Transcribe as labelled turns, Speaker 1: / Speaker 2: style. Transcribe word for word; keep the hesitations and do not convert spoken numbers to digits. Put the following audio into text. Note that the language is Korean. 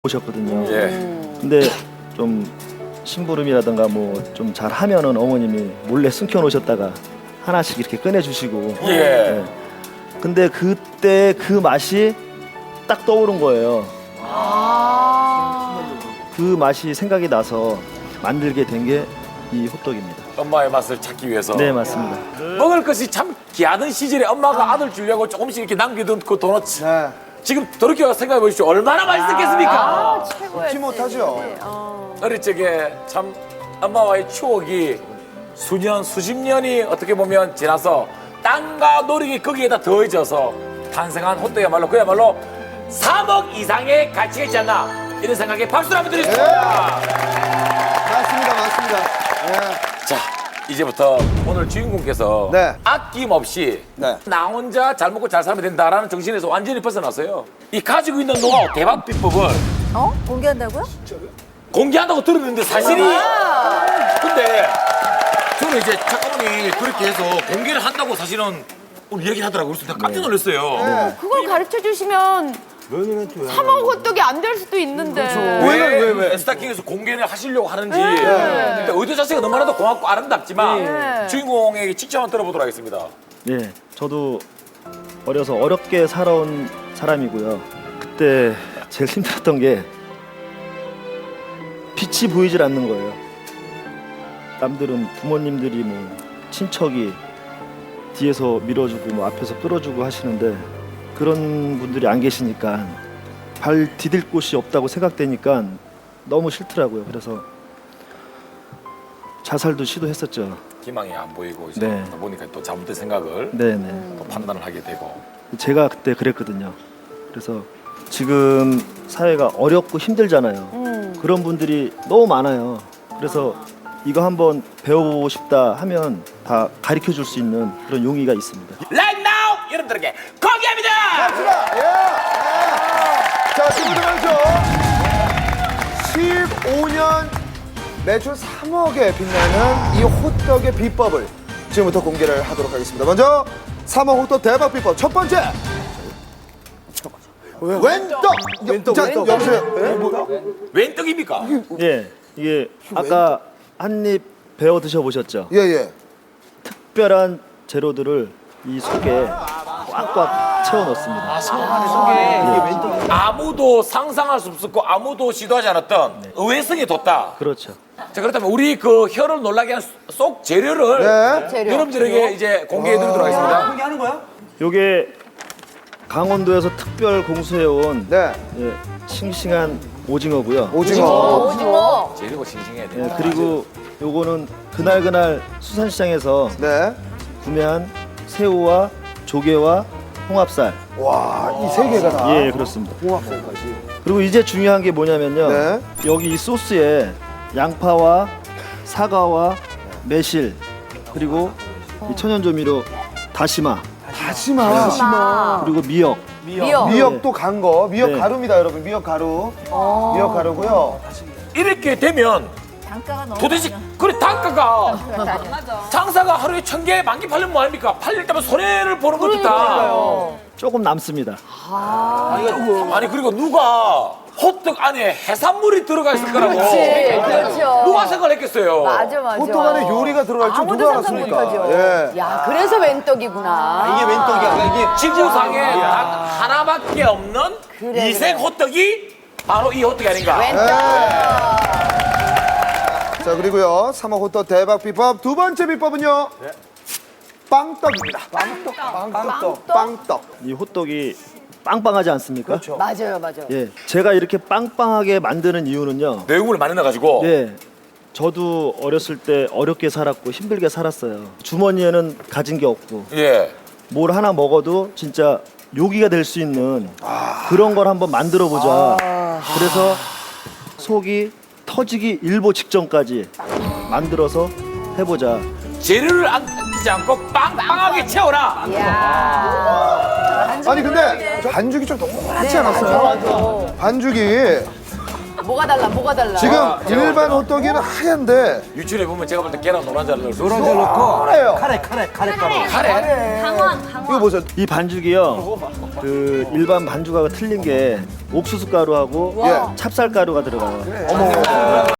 Speaker 1: 오셨거든요.
Speaker 2: 예.
Speaker 1: 근데 좀 심부름이라든가 뭐 좀 잘하면은 어머님이 몰래 숨겨 놓으셨다가 하나씩 이렇게 꺼내 주시고.
Speaker 2: 예.
Speaker 1: 근데 그때 그 맛이 딱 떠오른 거예요. 그 맛이 생각이 나서 만들게 된 게 이 호떡입니다.
Speaker 2: 엄마의 맛을 찾기 위해서.
Speaker 1: 네, 맞습니다.
Speaker 2: 먹을 것이 참 귀하던 시절에 엄마가 아들 주려고 조금씩 이렇게 남겨둔 그 도넛.
Speaker 3: 네.
Speaker 2: 지금 돌이켜 생각해 보십시오. 얼마나 맛있었겠습니까?
Speaker 4: 아, 최고였지.
Speaker 3: 잊지 못하죠.
Speaker 4: 네, 어.
Speaker 2: 어릴 적에 참 엄마와의 추억이 수년, 수십 년이 어떻게 보면 지나서 땅과 노력이 거기에다 더해져서 탄생한 호떡이야말로 그야말로 삼억 이상의 가치가 있지 않나 이런 생각에 박수를 한번 드리겠습니다.
Speaker 3: 맞습니다, 맞습니다. 네.
Speaker 2: 자, 이제부터 오늘 주인공께서
Speaker 3: 네.
Speaker 2: 아낌없이
Speaker 3: 네.
Speaker 2: 나 혼자 잘 먹고 잘 살면 된다라는 정신에서 완전히 벗어났어요. 이 가지고 있는 노하우, 대박 비법을
Speaker 4: 어? 공개한다고요?
Speaker 2: 공개한다고 들었는데 사실이 근데 저는 이제 작가분이 그렇게 해서 공개를 한다고 사실은 오늘 얘기를 하더라고요. 그래서 내가 깜짝 놀랐어요.
Speaker 4: 그걸 가르쳐 주시면 삼억 호떡이 안 될 수도 있는데.
Speaker 2: 왜, 왜, 왜? 스타킹에서 공개를 하시려고 하는지. 근데 의도 자체가 너무나도 고맙고 아름답지만
Speaker 4: 네.
Speaker 2: 주인공에게 직접 한번 들어보도록 하겠습니다.
Speaker 1: 예, 저도 어려서 어렵게 살아온 사람이고요. 그때 제일 힘들었던 게 빛이 보이질 않는 거예요. 남들은 부모님들이 뭐 친척이 뒤에서 밀어주고 뭐 앞에서 끌어주고 하시는데 그런 분들이 안 계시니까 발 디딜 곳이 없다고 생각되니까 너무 싫더라고요. 그래서 자살도 시도했었죠.
Speaker 2: 희망이 안 보이고 이제
Speaker 1: 네.
Speaker 2: 보니까 또 잘못된 생각을
Speaker 1: 네네.
Speaker 2: 또 판단을 하게 되고.
Speaker 1: 제가 그때 그랬거든요. 그래서 지금 사회가 어렵고 힘들잖아요.
Speaker 4: 음.
Speaker 1: 그런 분들이 너무 많아요. 그래서 이거 한번 배워보고 싶다 하면 다 가르쳐 줄 수 있는 그런 용의가 있습니다.
Speaker 2: Right now 여러분들에게 공개합니다.
Speaker 3: 갑시다. 예. 예. 자, 지금부터 말이죠. 십오 년 매출 삼억에 빛나는 이 호떡의 비법을 지금부터 공개를 하도록 하겠습니다. 먼저 삼억 호떡 대박 비법 첫 번째. 웬떡. 웬떡. 자,
Speaker 4: 웬떡.
Speaker 3: 여보세요. 예? 뭐,
Speaker 2: 웬 떡입니까?
Speaker 1: 예, 이게 아까 한 입 배워 드셔보셨죠?
Speaker 3: 예, 예.
Speaker 1: 특별한 재료들을 이 속에 꽉꽉 채워 넣습니다.
Speaker 2: 아무도 상상할 수 없었고 아무도 시도하지 않았던 의외성이 돋다.
Speaker 1: 그렇죠.
Speaker 2: 자, 그렇다면 우리 그 혀를 놀라게 한 쏙 재료를
Speaker 3: 네.
Speaker 4: 재료.
Speaker 2: 여러분들에게 이제 공개해 드리도록 하겠습니다.
Speaker 1: 요게 강원도에서 특별 공수해온
Speaker 3: 네.
Speaker 1: 예, 싱싱한 오징어고요.
Speaker 3: 오징어.
Speaker 4: 오징어.
Speaker 2: 재료가 싱싱해야 돼.
Speaker 1: 예, 그리고 요거는 그날그날 수산시장에서
Speaker 3: 네.
Speaker 1: 구매한 새우와 조개와 홍합살.
Speaker 3: 와, 이 세 개가 다.
Speaker 1: 예, 그렇습니다.
Speaker 3: 홍합살까지.
Speaker 1: 그리고 이제 중요한 게 뭐냐면요.
Speaker 3: 네.
Speaker 1: 여기 이 소스에 양파와 사과와 매실 그리고 이 천연조미료 다시마
Speaker 3: 다시마.
Speaker 4: 마.
Speaker 1: 그리고 미역.
Speaker 4: 미역.
Speaker 3: 미역도 간 거. 미역
Speaker 1: 네.
Speaker 3: 가루입니다, 여러분. 미역 가루.
Speaker 4: 어.
Speaker 3: 미역 가루고요.
Speaker 2: 이렇게 되면
Speaker 4: 단가가 너무
Speaker 2: 도대체 그래 단가가
Speaker 4: 맞아.
Speaker 2: 장사가 하루에 천 개, 만 개 팔리면 뭐 합니까? 팔릴 때면 손해를 보는 것도 다.
Speaker 1: 조금 남습니다.
Speaker 2: 아니 그리고 누가 호떡 안에 해산물이 들어가 있을 거라고
Speaker 4: 그렇지. 그렇죠.
Speaker 2: 누가 생각했겠어요?
Speaker 4: 맞아, 맞아.
Speaker 3: 호떡 안에 요리가 들어갈 줄
Speaker 4: 아무도
Speaker 3: 누가
Speaker 4: 상상
Speaker 3: 알았습니까?
Speaker 4: 못하죠.
Speaker 3: 예.
Speaker 4: 야, 그래서 웬떡이구나.
Speaker 3: 이게 웬떡이야. 이게
Speaker 2: 지구상에 단 하나밖에 없는
Speaker 4: 그래,
Speaker 2: 이색
Speaker 4: 그래.
Speaker 2: 호떡이 바로 이 호떡이 아닌가?
Speaker 4: 웬떡.
Speaker 3: 자, 그리고요. 삼억 호떡 대박 비법 두 번째 비법은요. 빵떡입니다. 빵떡. 빵떡. 빵떡.
Speaker 1: 이 호떡이 빵빵하지 않습니까?
Speaker 3: 그렇죠.
Speaker 4: 맞아요, 맞아요.
Speaker 1: 예, 제가 이렇게 빵빵하게 만드는 이유는요.
Speaker 2: 내용을 많이 넣어가지고
Speaker 1: 예, 저도 어렸을 때 어렵게 살았고 힘들게 살았어요. 주머니에는 가진 게 없고
Speaker 2: 예.
Speaker 1: 뭘 하나 먹어도 진짜 요기가 될 수 있는 그런 걸 한번 만들어 보자. 그래서 속이 터지기 일보 직전까지 만들어서 해보자.
Speaker 2: 재료를 안 끼지 않고 빵빵하게 채워라.
Speaker 4: 이야.
Speaker 3: 아니 근데 반죽이 좀 노랗지
Speaker 4: 네,
Speaker 3: 않았어요?
Speaker 4: 맞아, 맞아.
Speaker 3: 반죽이
Speaker 4: 뭐가 달라? 뭐가 달라?
Speaker 3: 지금
Speaker 2: 아,
Speaker 3: 일반 호떡이는 하얀데
Speaker 2: 유출해 보면 제가 볼 때 계란 노란자를 넣을 수
Speaker 5: 노란자
Speaker 2: 있어요.
Speaker 5: 넣고
Speaker 3: 카레요.
Speaker 5: 카레 카레 카레 가루.
Speaker 2: 카레.
Speaker 6: 강원, 강원.
Speaker 3: 이거 보세요.
Speaker 1: 이 반죽이요. 그 일반 반죽하고 틀린 게 옥수수 가루하고
Speaker 3: 예.
Speaker 1: 찹쌀 가루가 들어가요.
Speaker 3: 어머.